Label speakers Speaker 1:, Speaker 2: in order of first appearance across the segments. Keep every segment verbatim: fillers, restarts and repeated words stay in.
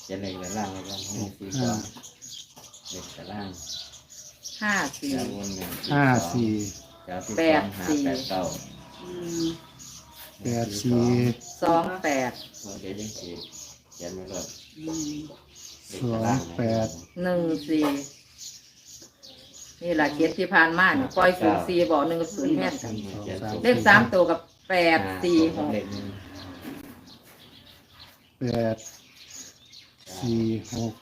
Speaker 1: จะเล็กแต่ล่างแล้วก็หกสี่สองเล็กแต่ล่าง
Speaker 2: ห้าสี่
Speaker 1: แล้ววนหนึ่ง
Speaker 3: ห้าสี่
Speaker 1: จะสิบสองหาแปดเก้า
Speaker 3: แปดสี่
Speaker 2: สองแปด
Speaker 1: เดี๋ยวจะเขียนเขียนไม่รอด
Speaker 3: สองแปด
Speaker 2: หนึ่งสี่นี่แหละเกียรติที่ผ่านมาเนี่ยปล่อยศูนย์สี่บอกหนึ่งกับศูนย์แม่นกันเลขสามตัวกับแปดสี่หก
Speaker 3: แปดสี่หก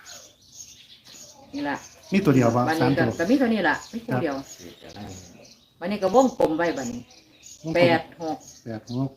Speaker 2: นี่แหละ
Speaker 3: มีตัวเดียวป่ะ
Speaker 2: วัน
Speaker 3: สาม
Speaker 2: นี้ก็
Speaker 3: ตัว
Speaker 2: ก็มีเท่านี้แหละไม่ตัวเดียววันนี้ก็วงกลมไว้บัดนี้แปดหก
Speaker 3: แปดหก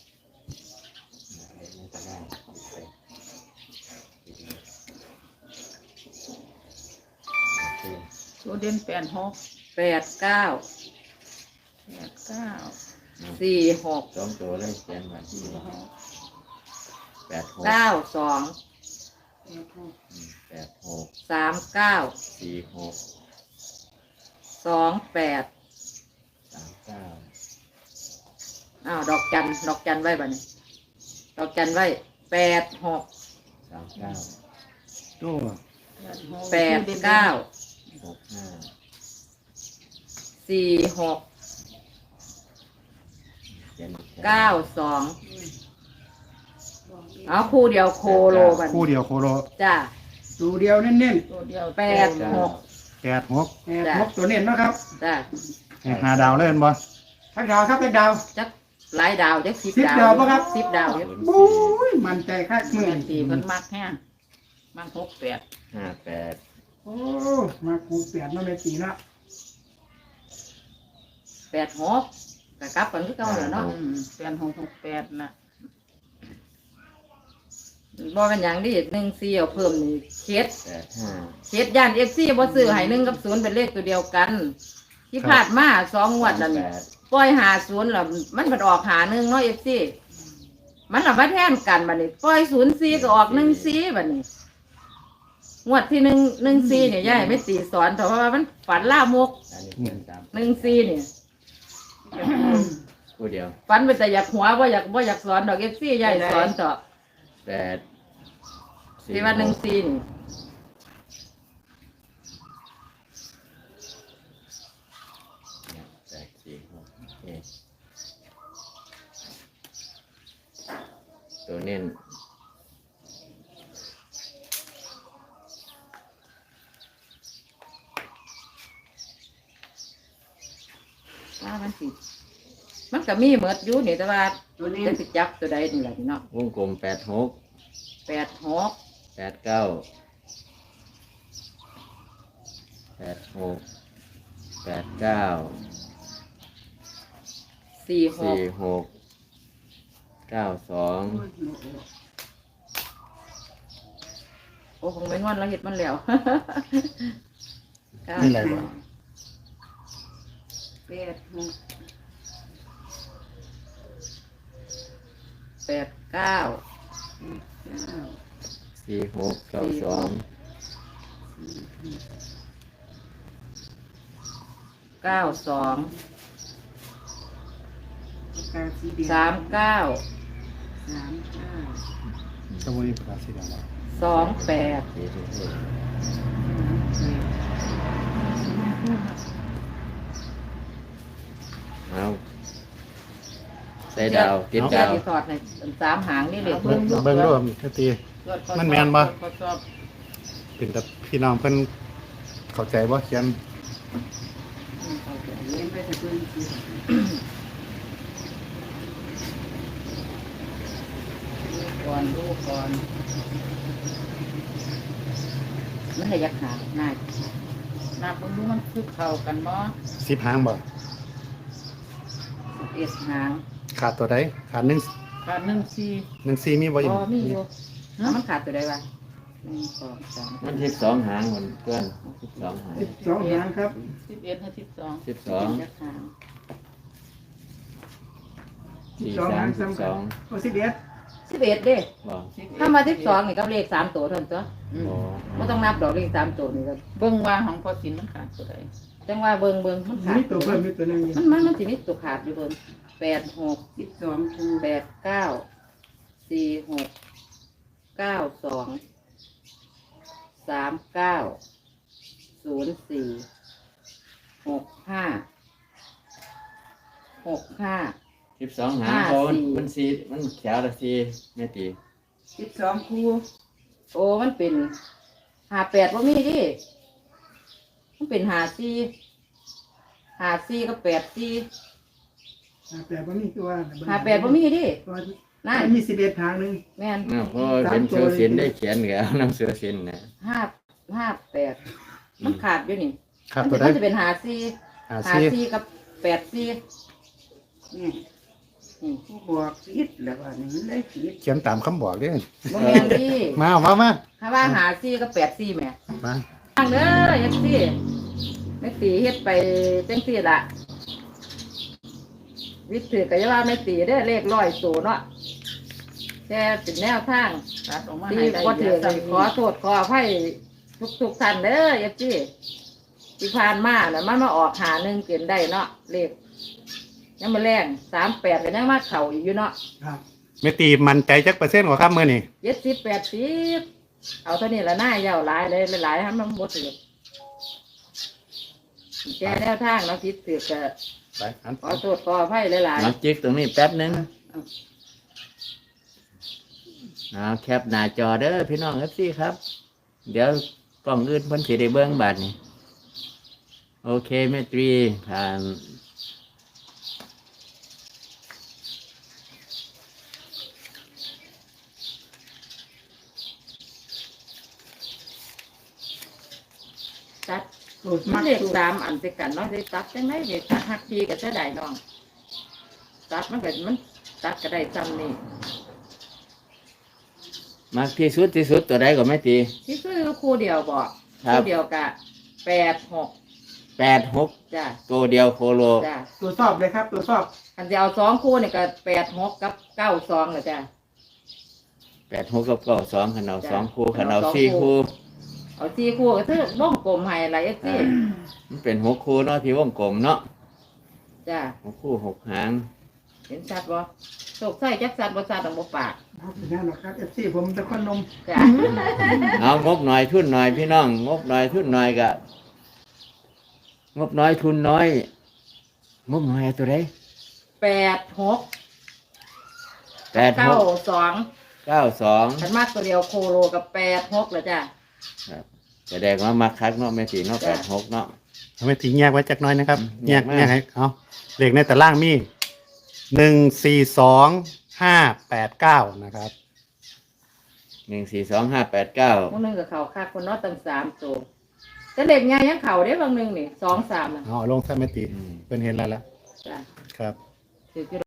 Speaker 4: ตัวเด่นแปดหก
Speaker 2: แปดเก้า
Speaker 4: แปดเก้า
Speaker 2: สี่หก
Speaker 1: สองตัวเลยเขียนมาที่แปดหก
Speaker 2: เก้าสอง
Speaker 1: แปดหก
Speaker 2: สามเก้า
Speaker 1: สี่หก
Speaker 2: สองแปด
Speaker 1: สามเก้า
Speaker 2: อ้าวดอกจันดอกจันไว้บัดนี้ดอกจันไว้แปดหก
Speaker 1: สามเก้า
Speaker 3: ตัว
Speaker 2: แปดเก้า
Speaker 1: หกห้า
Speaker 2: สี่หก
Speaker 1: เขียน
Speaker 2: เก้าสองเอาคู่เดียวโคโลบัด
Speaker 3: คู่
Speaker 2: นี้
Speaker 3: เดียวโคโล
Speaker 2: จ้า
Speaker 5: ตัวเดียวเน้น
Speaker 4: ตัวเดียว
Speaker 2: แปดหก
Speaker 3: แปดหก
Speaker 5: ๆแปดหกตัวเน้นนะครับ
Speaker 2: จ้า
Speaker 3: ให้หาดาวเล่นบ่
Speaker 5: ทักดาวครับทักดาว
Speaker 2: จักหลายดาวจักสิบ
Speaker 5: สิบ
Speaker 2: ดาว
Speaker 5: ดาวปะครับ
Speaker 2: สิบดาวเยอะ
Speaker 5: บู๊ยมันใจคักมือ
Speaker 4: แปดสี่เพิ่นมักแห้งมักหกแปด
Speaker 1: ห้าแปด
Speaker 5: โอ้มาคูเปลี่ยนมาเป็นสีละ
Speaker 2: แปดหกกะกลับกันคือเก่าแล้วเนาะ
Speaker 4: อืมแปดหกหกแปดน่ะ
Speaker 2: บ่เป็นหยังดิหนึ่งสี่เอาเพิ่มนี่เคส
Speaker 1: แปดห้า
Speaker 2: เคสย่านเอฟซีบ่ซื้อให้หนึ่งกับศูนย์เป็นเลขตัวเดียวกัน ที่ผ่านมาสองงวดนั่น
Speaker 1: แปด
Speaker 2: ปล่อยหาศูนย์แล้วมันมันออกหาหนึ่งเนาะเอฟซีมันเอามาแทนกันบัดนี้ปล่อยศูนย์สี่ก็ออกหนึ่งสี่บัดนี้งวดที่หนึ่งหนึ่งสี่เนี่ยยายไม่ตีสอนเพราะว่ามันฝันล่ามก
Speaker 1: อันนี้เขียนสาม
Speaker 2: หนึ่งสี่เนี่ย
Speaker 1: คู่เดียว
Speaker 2: ฝันไปแต่อยากหัวว่าอยากว่าอยากสอนดอกเอฟซียายสอนต่อ
Speaker 1: แปดสี่
Speaker 2: ที่ว่าหนึ่งสี่นี่
Speaker 1: แปดสี่หกโอเคตัวเน้น
Speaker 2: ว่ามันสิมันก็มีเหมือดอยู่นี่แต่ว่า
Speaker 5: ตัวนี้
Speaker 2: จะไปจับตัวใดนี่แหละพี่เนาะ
Speaker 1: วงกลมแปดหก
Speaker 2: แปดหก
Speaker 1: แปดเก้าแปดหกแปดเก้า
Speaker 2: สี่หก
Speaker 1: สี่หกเก้าสอง
Speaker 2: โอ้คงไม่งอนแล้วเห็ดมันแล้ว เก้า
Speaker 3: นี่อะไรบ่
Speaker 2: แปดหกแปดเก้า
Speaker 1: สี่หกเก้าสอง
Speaker 2: เก้าสอง
Speaker 5: กาสีแดง
Speaker 2: สามเก้า
Speaker 5: สามเก้า
Speaker 3: สมุนไพรสีแดงบ่
Speaker 2: สองแปด
Speaker 1: สี่ทุกเลขเอาใส่ดาวติด
Speaker 2: เจ้า
Speaker 1: ดาว
Speaker 2: ที่ถอดในสามหางนี่เลย
Speaker 3: เบิ่งเบิ่งดูแค่ตี มันแม่นบ่
Speaker 4: ทดสอบ
Speaker 3: เป็นแต่พี่น้องเพิ่นเข้าใจบ่เขียน
Speaker 5: เล่นไปแต่ปืนสี
Speaker 4: ก่อนดูก่อน
Speaker 2: มันให้ยักหางง่าย
Speaker 4: นับเบิ่งดูมันคือเข้ากันบ่
Speaker 3: สิบหางบ่
Speaker 2: เอสหาง
Speaker 3: ขาดตัวใดขาดหนึ่ง
Speaker 4: ขาดหนึ่งสี่
Speaker 3: หนึ่งสี่มีบ่อีก
Speaker 2: อ๋อมีอยู่แล้วมันขาดตัวใดวะหนึ่งสองสาม
Speaker 1: มันสิบสองหางเหมือนเพื่อนสิบสองหาง
Speaker 5: สิบสองหางครับ
Speaker 4: สิบเอ็ดให้สิบสอง
Speaker 1: สิบสอง
Speaker 2: ยักหาง
Speaker 5: สิบ
Speaker 1: สี่
Speaker 5: สอง
Speaker 1: สา
Speaker 5: หามง
Speaker 1: สิบ
Speaker 5: ซ้ำ
Speaker 1: ส
Speaker 5: กัน
Speaker 1: อง
Speaker 5: โอ้สิบเอ็ด
Speaker 2: สิบเอ็ดเด้
Speaker 1: บอก
Speaker 2: ถ้ามาสิบสองนี่ก็เลขสามตัวเท่านั้นตัว
Speaker 1: โอ้
Speaker 2: ไม่ต้องนับดอกเลขสามตัวนี่ก็
Speaker 4: เบิ่งว่าของพอสินมันขาดตัวใด
Speaker 2: จังว่าเบิ่งเบิ่งมันขาด
Speaker 5: มีตัวเพิ่มมีตัวหนึง
Speaker 2: มันมันมันสิมีตัวขาดอยู่เบิ่งแปดหก
Speaker 5: สิบสองคู
Speaker 2: แปดเก้าสี่หกเก้าสองสามเก้าศูนย์สี่หกห้าหกห้า
Speaker 1: สิบสองหาง
Speaker 2: ห้า
Speaker 1: เขา
Speaker 2: สี่
Speaker 1: มันสีมันแขวละสีแม่ตี
Speaker 5: สิบสองคู่
Speaker 2: โอ้มันเป็นหาแปดว่ามีดิมันเป็นหาสี่หาสี่ก็แปดสี่
Speaker 5: หาแปดบ่มีคือว่า
Speaker 2: หาแปดว่ามีดิ
Speaker 5: ว่า
Speaker 2: นั่น
Speaker 5: มีสิบเอ็ดทางหนึ่ง
Speaker 2: แม่น
Speaker 1: เนาะเพราะเป็นเสือสินได้เขียนแล้วน้ำเสือสินนะ
Speaker 2: ห้าห้าแปดมันขาดอยู่นี่
Speaker 3: ครับ
Speaker 2: มั
Speaker 3: ตัว
Speaker 2: น
Speaker 3: ได้
Speaker 2: จะเป็นหาสี่
Speaker 3: หา
Speaker 2: หา
Speaker 3: ซี
Speaker 2: สี่กับแปดสี่
Speaker 5: นี่
Speaker 2: นี่
Speaker 5: ผู้บอกผิดแล้วว่านี่มันได้ผิด
Speaker 3: เขียนตามคำบอกเด้อ
Speaker 2: โมเมนที่
Speaker 3: มาเอามามา
Speaker 2: ถ้าว่าหาซี่ก็แปดซี่แหม่
Speaker 3: มา
Speaker 2: ฟังเด้อยักซี่ไม่ตีเฮ็ดไปจังซี่ละวิถือก็จะว่าไม่ตีได้อเลขร้อยตัวเนาะแต่เป็นแนวทาง
Speaker 4: ตัดออกมา
Speaker 2: ที่
Speaker 4: ให้ได้
Speaker 2: บ่ถือ
Speaker 4: เดี๋ยว
Speaker 2: ขอโทษขออภัยทุกทุกๆท่านเด้อยักซี่ที่ผ่านมาน่ะมันมาออกหาหนึ่งเกินได้เนาะเลขยังมาแรงสามแปดก็ยังมาเข่าอยู่เนาะ
Speaker 5: ครับ
Speaker 3: ไม่ตีมันใจจักเปอร์เซ็นต์กว่าครับมื้อนี้
Speaker 2: เจ็ดสิบแปดสิบเอาเท่านี้ละหน้าเยาวหลายเลยหลายๆให้มันหมดเลยแกแนวทางเราคิดถือก็
Speaker 3: ไปอัน
Speaker 2: ขอโทษขออภัยหลาย
Speaker 1: น้ำจิกตรงนี้แป๊บนึงเอาแคปหน้าจอเด้อพี่น้องเอฟซีครับ เดี๋ยวกล้องอื่นเพิ่นสิได้เบิ่งบัดนี้โอเคแม่ตรีผ่าน
Speaker 2: ๆตัด
Speaker 5: โอ้
Speaker 2: มั
Speaker 5: มัน ก
Speaker 2: เด็ก
Speaker 5: ตัว
Speaker 2: สามอันติดกันเนาะได้ตัดจังไดเด็กตัดหักทีก็จะได้น้องตัดมันก็มันตัดก็ได้จำนี่
Speaker 1: มากที่สุดที่สุดตัวใดก็แม่ตี
Speaker 2: ที่ซื้อคู่เดียวบอก
Speaker 1: ครับ
Speaker 2: คู่เดียวกะแปดหก
Speaker 1: แปดหก
Speaker 2: จ้ะ
Speaker 1: ตัวเดียวโคโล
Speaker 2: จ้ะ
Speaker 5: ตัวสอบเลยครับ ตัวสอบ
Speaker 2: อันจะเอาสองคู่นี่ก็แปดหกกับเก้าสองเลยจ้ะ
Speaker 1: แปดหกกับเก้าสองขันเอา
Speaker 2: จ้ะ
Speaker 1: สองคู่ขัน
Speaker 2: ขัน
Speaker 1: เอา
Speaker 2: เอาสอง
Speaker 1: สี่
Speaker 2: คู่
Speaker 1: คู่
Speaker 2: เอาสี่คู่ก็คือวงกลมให้อะไรเอ็กซี่
Speaker 1: มันเป็นหกคู่เนาะที่วงกลมเนาะ
Speaker 2: จ้ะ
Speaker 1: หกคู่หกหาง
Speaker 2: เห็นชัดบ่โศกไส้จักสัดบ่สัดต้องบ่ปาก
Speaker 5: เอาเป็นยังหรอกครับเอฟซีผมตะคอนนม
Speaker 2: จ้ะ
Speaker 1: เอางบหน่อยทุนหน่อยพี่น้อง งบหน่อยทุนหน่อยกะงบน้อยทุนน้อย งบหน่อยเอาตัวใด
Speaker 2: แปดหก
Speaker 1: แปดห
Speaker 2: เก้าก สอง
Speaker 1: เก้าสอง
Speaker 2: ฉันมากตัวเดียวโคโลกับแปดหกเลยจ้ะ
Speaker 1: แสดงว่ามาคักเนาะไม่ตีเนาะ
Speaker 2: จ้ะ
Speaker 1: แปดหกเนาะ
Speaker 3: เอาไม่ตีแยกไว้จักหน้อยนะครับ
Speaker 1: แย
Speaker 3: แย
Speaker 1: ก
Speaker 3: ก
Speaker 1: มา
Speaker 3: แยกให้เอาเลขในแต่ล่างมีหนึ่งสี่สองห้าแปดเก้านะครับ
Speaker 1: หนึ่งสี่สองห้าแปดเก้า
Speaker 2: พวกนึงกับเขาคักคนเน้อตั้งสามตัวแต่เด็กไงยังเข่าได้บางนึงนี่สองสามน่ะ
Speaker 3: เอาลงซะไม่ตีเป็นเห็นแล้วละ
Speaker 2: จ้ะ
Speaker 3: ครับ
Speaker 2: ถือ